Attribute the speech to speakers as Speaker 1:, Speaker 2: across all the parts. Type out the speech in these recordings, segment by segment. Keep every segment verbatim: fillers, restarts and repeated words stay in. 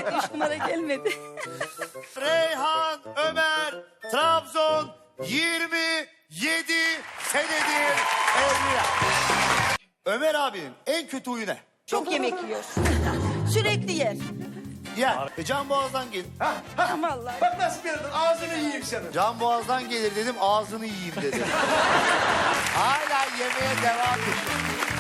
Speaker 1: Evet, üç numara gelmedi.
Speaker 2: Reyhan Ömer Trabzon yirmi yedi senedir evliya. Ömer abinin en kötü huyu ne?
Speaker 1: Çok yemek yiyor. Sürekli yer.
Speaker 2: Ya e, can boğazdan gelir.
Speaker 1: Vallahi.
Speaker 3: Bak nasıl bir adam, ağzını yiyeyim senin.
Speaker 2: Can boğazdan gelir dedim, ağzını yiyeyim dedim. Hala yemeğe devam ediyor.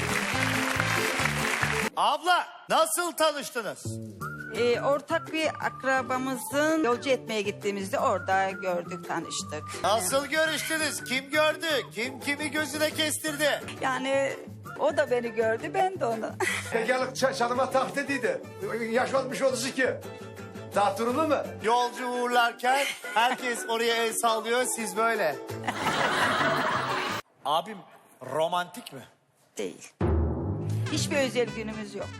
Speaker 2: Abla nasıl tanıştınız?
Speaker 1: Ee, ortak bir akrabamızın yolcu etmeye gittiğimizde orada gördük, tanıştık.
Speaker 2: Nasıl görüştünüz? Kim gördü? Kim kimi gözüne kestirdi?
Speaker 1: Yani o da beni gördü, ben de onu.
Speaker 3: Bekarlık ç- çalıma tahtediydi. Yaş olmuş otuz iki. Daha durumlu mu?
Speaker 2: Yolcu uğurlarken herkes oraya el sallıyor, siz böyle. Abim romantik mi?
Speaker 1: Değil. Hiçbir özel günümüz yok.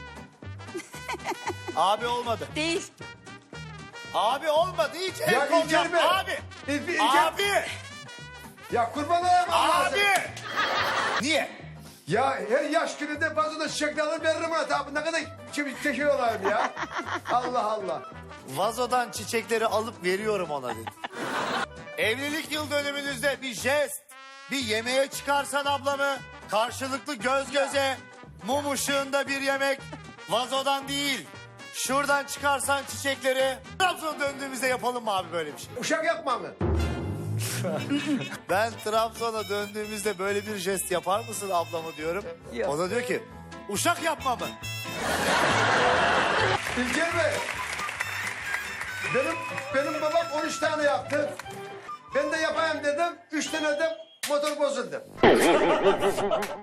Speaker 2: Abi olmadı.
Speaker 1: Değil.
Speaker 2: Abi olmadı, hiç el
Speaker 3: Ya
Speaker 2: kol
Speaker 3: İlker
Speaker 2: yapma.
Speaker 3: Bey.
Speaker 2: Abi.
Speaker 3: İl- İlker-
Speaker 2: Abi.
Speaker 3: Ya kurban olayım Allah'a.
Speaker 2: Abi. Niye?
Speaker 3: Ya her yaş gününde bazen çiçekler alır veririm ona. Tabi ne kadar şimdi teşekkür olayım ya. Allah Allah.
Speaker 2: Vazodan çiçekleri alıp veriyorum ona dedi. Evlilik yıl dönümünüzde bir jest, bir yemeğe çıkarsan ablamı, karşılıklı göz göze, mum ışığında bir yemek, vazodan değil, şuradan çıkarsan çiçekleri, Trabzon'a döndüğümüzde yapalım mı abi böyle bir şey?
Speaker 3: Uşak yapma mı?
Speaker 2: Ben Trabzon'a döndüğümüzde böyle bir jest yapar mısın ablamı diyorum.
Speaker 1: Yok.
Speaker 2: O da diyor ki, uşak yapma mı?
Speaker 3: İlker Bey. Benim, benim babam on üç tane yaptı. Ben de yapayım dedim. Üç tane de motor bozuldu.